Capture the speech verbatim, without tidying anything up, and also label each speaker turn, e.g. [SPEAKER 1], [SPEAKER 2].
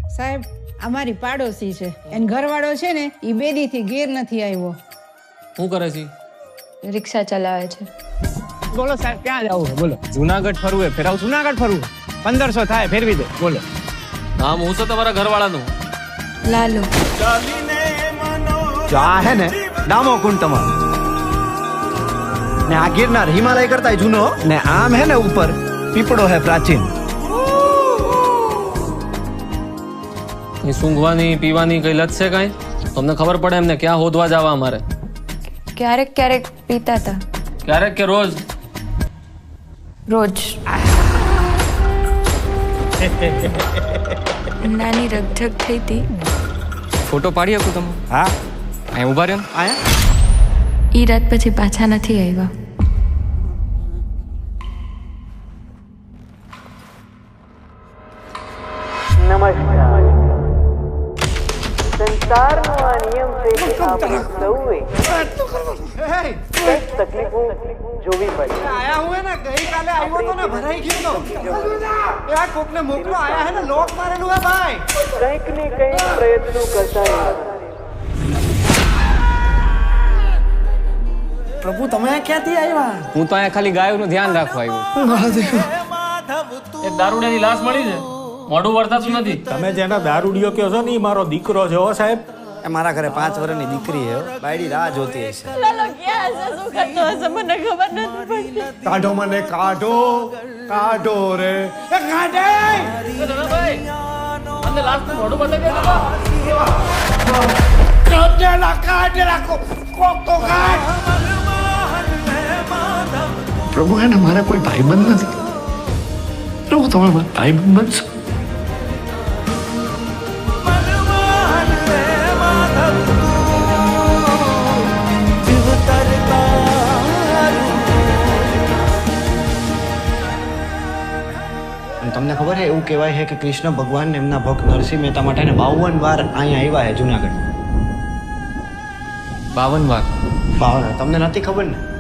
[SPEAKER 1] સાહેબ અમારી પાડોશી છે એન ઘરવાળો છે ને એ બેદી થી ઘેર નથી આવ્યો.
[SPEAKER 2] શું કરે છે?
[SPEAKER 3] રિક્ષા ચલાવે છે.
[SPEAKER 4] બોલો સાહેબ ક્યાં જવું છે બોલો.
[SPEAKER 5] જુનાગઢ ફરવું હે ફેરાવ.
[SPEAKER 4] જુનાગઢ ફરવું પંદરસો થાય ફેરવી દે બોલો.
[SPEAKER 2] નામ હું છે તમારા ઘરવાળાનું?
[SPEAKER 3] લાલુ.
[SPEAKER 5] જો આ હે ને ડામો કુંડ તમારો ને આ ગિરનાર હિમાલય કરતા જૂનો ને આમ હે ને ઉપર પીપળો હે પ્રાચીન.
[SPEAKER 2] કઈ સૂંઘવાની પીવાની કઈ લત છે કઈ? તમને ખબર પડે એમને ક્યાં હોદવા જવા અમારે?
[SPEAKER 3] ક્યારેક ક્યારેક પીતા હતા.
[SPEAKER 2] ક્યારેક કે રોજ?
[SPEAKER 3] રોજ. નાની રગઝગ થઈ હતી.
[SPEAKER 6] ફોટો પાડી શકું તમે?
[SPEAKER 5] હા
[SPEAKER 6] અહીં ઉભા રહ્યો.
[SPEAKER 5] આયા
[SPEAKER 3] ઈ રાત પછી પાછા નથી આવ્યા.
[SPEAKER 7] નમસ્કાર. સંસારનો આ નિયમ છે કે આપણે સૌએ કંઈક તકલીફો જોવી પડે.
[SPEAKER 5] આયા હું હે ને ગઈકાલે આવ્યો તો ને ભરાઈ ગયો તો. એ આ કોકને મોકલો આયા હે ને લોક મારેલું હે ભાઈ.
[SPEAKER 7] કંઈક ને કંઈક પ્રયત્નો કરતા રહેવાના.
[SPEAKER 5] પ્રભુ તમે ક્યાંથી આવ્યા?
[SPEAKER 6] હું તો અહીંયા ખાલી ગાયોનું ધ્યાન રાખવા આવ્યો.
[SPEAKER 2] એક દારૂડિયાની લાશ મળી છે, મોઢું વળતાતું નથી.
[SPEAKER 8] તમે જેના દારૂડિયો કહો છો ને ઈ મારો દીકરો છે હો સાહેબ.
[SPEAKER 5] એ મારા ઘરે પાંચ વર્ષની દીકરી હે. બાયડી રાહ જોતી હશે. કાઢો મને કાઢો કાઢો રે એ કાઢે.
[SPEAKER 2] અંદર લાશનું મોઢું બતાવી દે.
[SPEAKER 5] કાઢેલા કાઢેલા કોક તો કાઢ.
[SPEAKER 9] પ્રભુ એને મારા કોઈ ભાઈબંધ નથી. પ્રભુ તમે મારા ભાઈબંધ બનશો.
[SPEAKER 5] તમને ખબર છે એવું કહેવાય છે કે કૃષ્ણ ભગવાન એમના ભક્ત નરસિંહ મહેતા માટે ને બાવન વાર અહીંયા આવ્યા છે જુનાગઢ.
[SPEAKER 6] બાવન વાર?
[SPEAKER 5] બાવન તમને નથી ખબર ને?